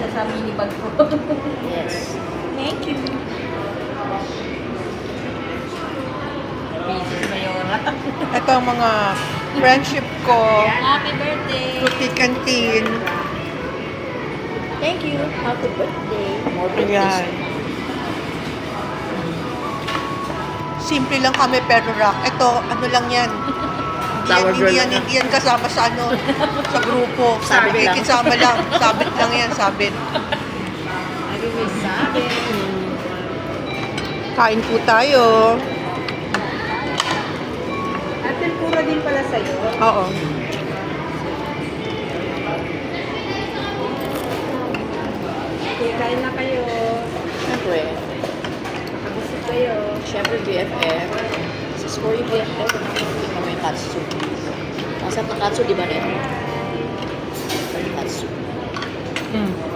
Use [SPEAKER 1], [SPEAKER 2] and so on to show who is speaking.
[SPEAKER 1] kasya sa mini bag ko.
[SPEAKER 2] Yes.
[SPEAKER 1] Thank you. Busy si Mayora.
[SPEAKER 3] Ito ang mga friendship ko.
[SPEAKER 1] Happy birthday.
[SPEAKER 3] Fruity Canteen.
[SPEAKER 1] Thank you. Happy birthday.
[SPEAKER 2] More birthdays.
[SPEAKER 3] Ayan. Simple lang kami pero rock. Ito, ano lang yan.
[SPEAKER 2] Flower girl lang
[SPEAKER 3] Hindi yan kasama sa ano, sa grupo.
[SPEAKER 2] Sabit lang.
[SPEAKER 3] Kasama lang. Sabit lang yan, sabit.
[SPEAKER 1] Lagi may sabi.
[SPEAKER 3] Kain po tayo.
[SPEAKER 1] At tempura din pala sa'yo.
[SPEAKER 3] Oo.
[SPEAKER 1] Okay, kain na kayo.
[SPEAKER 2] Siyempre.
[SPEAKER 1] Nakabusog kayo.
[SPEAKER 2] Siyempre, BFF. Sa score yung BFF, hindi kami yung katsu. Masarap na katsu, di ba rin? Katsu.
[SPEAKER 3] Mm.